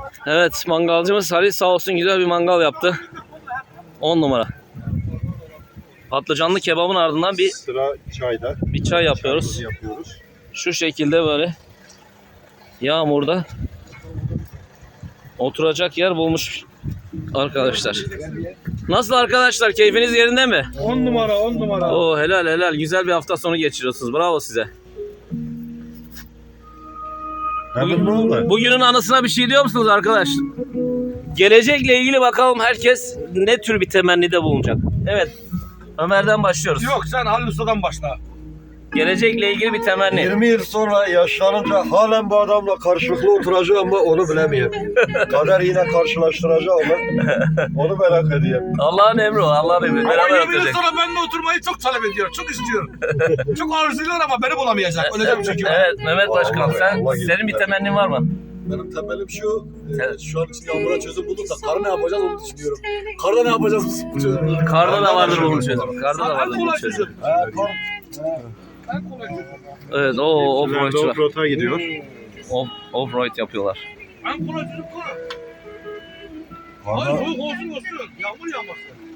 Evet, mangalcımız Halil sağ olsun güzel bir mangal yaptı. 10 numara. Patlıcanlı kebabın ardından Sıra çayda. bir çay yapıyoruz. Şu şekilde böyle yağmurda oturacak yer bulmuş arkadaşlar. Nasıl arkadaşlar? Keyfiniz yerinde mi? 10 numara 10 numara. Oo, helal helal. Güzel bir hafta sonu geçiriyorsunuz. Bravo size. Bugünün anısına bir şey diyor musunuz arkadaşlar? Gelecekle ilgili bakalım herkes ne tür bir temennide bulunacak. Evet. Ömer'den başlıyoruz. Yok sen Halil Usta'dan başla. Gelecekle ilgili bir temenni. 20 yıl sonra yaşlanınca halen bu adamla karşılıklı oturacağım ama onu bilemiyorum. Kader yine karşılaştıracak onu merak ediyorum. Allah'ın emri o. Allah'ın emri. Ama Beraber 20 yıl oturacak. sonra benimle oturmayı çok talep ediyor. Çok istiyor. Çok arzuluyor ama beni bulamayacak. Öyle bir şey var. Evet Mehmet Başkan senin bir temennin var mı? Benim temelim şu, şu an için yağmura çözüm bulduk da karı ne yapacağız onu düşünüyorum. Karda ne yapacağız bu çözüm? Karda da vardır bunun çözümü. Karda da vardır bunun çözümü. Evet o offroadçular. Offroad'a gidiyor. Offroad yapıyorlar. En kolay çocuk kola. Hayır soğuk olsun olsun. Yağmur yağmasın.